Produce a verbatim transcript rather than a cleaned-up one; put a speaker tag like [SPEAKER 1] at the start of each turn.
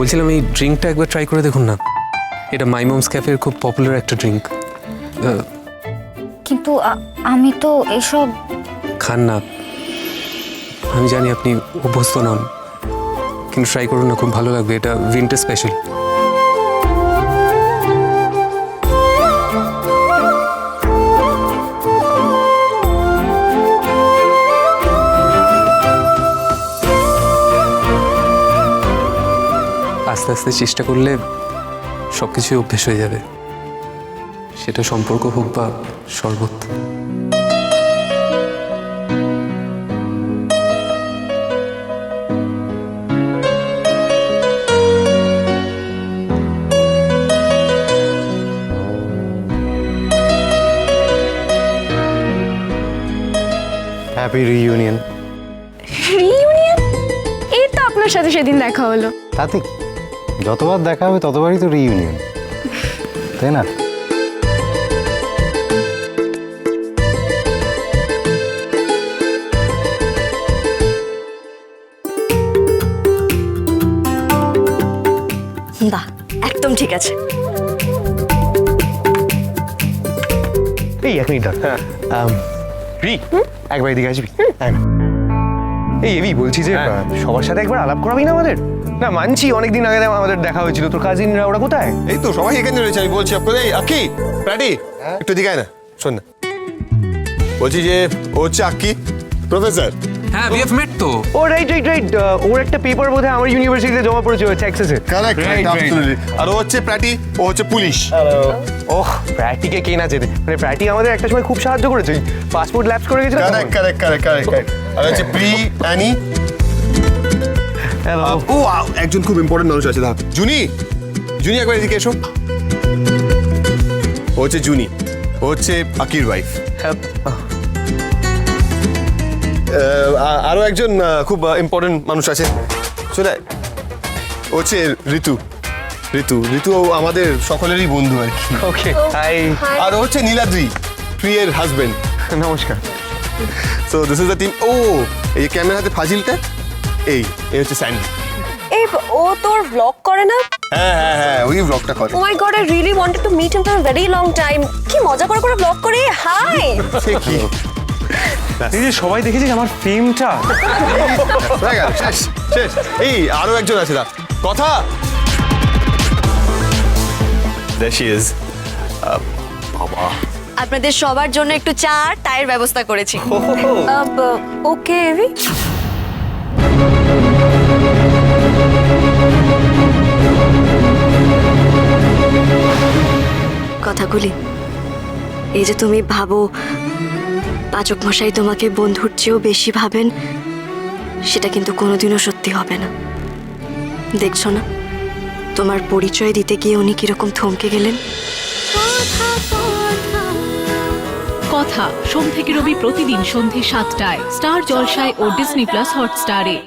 [SPEAKER 1] বলছিলাম এই ড্রিঙ্কটা একবার ট্রাই করে দেখুন না। এটা মাই মমস ক্যাফের খুব পপুলার একটা ড্রিঙ্ক।
[SPEAKER 2] কিন্তু আ- আমি তো এসব
[SPEAKER 1] খান না, আমি জানি আপনি অভ্যস্ত নন, কিন্তু ট্রাই করুন না, খুব ভালো লাগবে। এটা উইন্টার স্পেশাল। আস্তে আস্তে চেষ্টা করলে সব কিছুই অভ্যেস হয়ে যাবে, সেটা সম্পর্ক হোক বা শরবত।
[SPEAKER 3] Happy reunion.
[SPEAKER 4] রিইউনিয়ন? এই তো আপনার সাথে সেদিন দেখা হলো।
[SPEAKER 3] তাতে কি? যতবার দেখা হবে ততবারই তো রিইউনিয়ন, তাই না?
[SPEAKER 5] বাহ, একদম ঠিক আছে।
[SPEAKER 3] এই এক মিনিট হ্যাঁ রি একবার এদিকে আসবি। হ্যাঁ। এই এবি বলছি যে আহ, সবার সাথে একবার আলাপ করাবি না আমাদের? না মানছি অনেকদিন আগে আমাদের দেখা হয়েছিল, তোর কাজিনরা ওরা কোথায়?
[SPEAKER 6] এই তো সবাই এখানে রয়েছে। আমি বলছি আপনাদের, এই আক্কি প্যাটি একটু দিকে আয় না, শোন না। বলছি যে ও হচ্ছে আক্কি, প্রফেসর।
[SPEAKER 1] হ্যাঁ, উই হ্যাভ মেট তো।
[SPEAKER 3] ও রাইট রাইট রাইট, ওর একটা পেপার বোধহয় আমার ইউনিভার্সিটিতে জমা পড়েছে টেক্সাসে।
[SPEAKER 6] Correct, absolutely. আর ও হচ্ছে প্যাটি, ও হচ্ছে পুলিশ।
[SPEAKER 3] ওহ, প্র্যাটিকে কে না চেনে, মানে প্র্যাটি আমাদের একটা সময় খুব সাহায্য করেছে, পাসপোর্ট ল্যাপস করে গেছিল।
[SPEAKER 6] Correct correct correct correct correct. আর হচ্ছে প্রি অ্যানি।
[SPEAKER 3] হ্যালো।
[SPEAKER 6] ও আ- একজন খুব ইম্পর্টেন্ট মানুষ আছে, দাঁড়া। জুনি, জুনি একবার এদিকে এসো। ও হচ্ছে জুনি, ও হচ্ছে আকির ওয়াইফ। আরো একজন আহ, খুব ইম্পর্টেন্ট মানুষ আছে, চলে আয়। ও হচ্ছে ঋতু। ঋতু ঋতু ও আমাদের সকলেরই বন্ধু আর কি।
[SPEAKER 3] ওকে হাই।
[SPEAKER 6] আর ও হচ্ছে নীলাদ্রি, প্রিয়ের হাজবেন্ড।
[SPEAKER 3] নমস্কার।
[SPEAKER 6] So this is the team. ও এই ক্যামেরার হাতে ফাজিলটা, এই এই হচ্ছে স্যান্ডি।
[SPEAKER 5] এই ও তোর ব্লগ করে না?
[SPEAKER 6] হ্যাঁ হ্যাঁ হ্যাঁ, ওই ব্লগটা করে।
[SPEAKER 5] ও my god, I really wanted to meet him for a very long time. কি মজা করে করে ব্লগ করে। হাই।
[SPEAKER 6] সে কি
[SPEAKER 3] এই যে সবাই দেখেছিস আমার ফিল্মটা।
[SPEAKER 6] হয়ে গেল, শেষ শেষ। এই আরো একজন আছে, দা কথা। There she is. আহ, বাবা,
[SPEAKER 5] আপনাদের সবার জন্য একটু চা আর চায়ের ব্যবস্থা করেছি। ওকে এভি। কথাগুলি এই যে তুমি ভাবো পাচক মশাই তোমাকে বন্ধুর চেয়েও বেশি ভাবেন, সেটা কিন্তু কোনোদিনও সত্যি হবে না। দেখছো না তোমার পরিচয় দিতে গিয়ে উনি কিরকম থমকে গেলেন।
[SPEAKER 7] কথা সোম থেকে রবি প্রতিদিন সন্ধে সাতটায় স্টার জলসায় ও ডিজনি প্লাস হটস্টারে।